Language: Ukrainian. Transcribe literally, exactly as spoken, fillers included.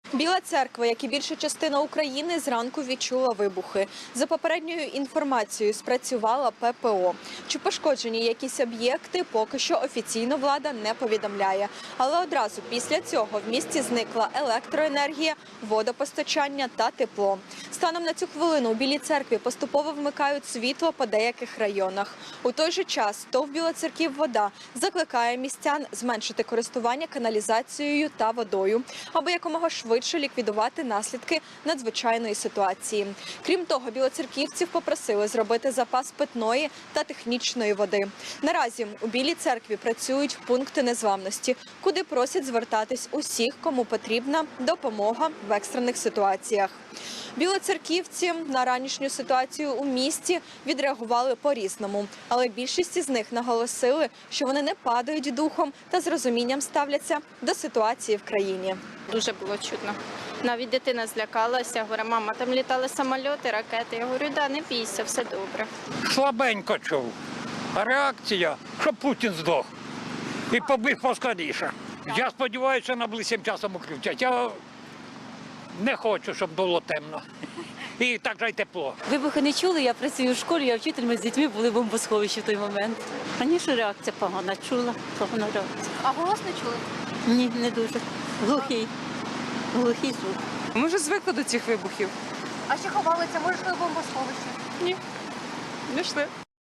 Біла Церква, як і більша частина України, зранку відчула вибухи. За попередньою інформацією, спрацювала Пе Пе О. Чи пошкоджені якісь об'єкти, поки що офіційно влада не повідомляє. Але одразу після цього в місті зникла електроенергія, водопостачання та тепло. Станом на цю хвилину у Білій Церкві поступово вмикають світло по деяких районах. У той же час ТОВ «Білоцерківвода» закликає містян зменшити користування каналізацією та водою, аби якомога швидше ліквідувати наслідки надзвичайної ситуації. Крім того, білоцерківців попросили зробити запас питної та технічної води. Наразі у Білій Церкві працюють пункти незламності, куди просять звертатись усіх, кому потрібна допомога в екстрених ситуаціях. Білоцерківці на ранішню ситуацію у місті відреагували по-різному, але більшість із них наголосили, що вони не падають духом та з розумінням ставляться до ситуації в країні. Дуже було чутно. Навіть дитина злякалася, говорить, мама, там літали самольоти, ракети. Я говорю, да, не бійся, все добре. Слабенько чув. А реакція, щоб Путін здох і побіг поскоріше. Я сподіваюся, найближчим часом включать. Я не хочу, щоб було темно. І так же й тепло. Вибухи не чули, я працюю в школі, я вчитель, ми з дітьми були в бомбосховищі в той момент. Звісно, реакція погана, чула, погана реакція. А голос не чули? Ні, не дуже. Глухий. Глухий звук. Ми вже звикли до цих вибухів. А ще ховалися, може, в бомбосховищі? Ні, не йшли.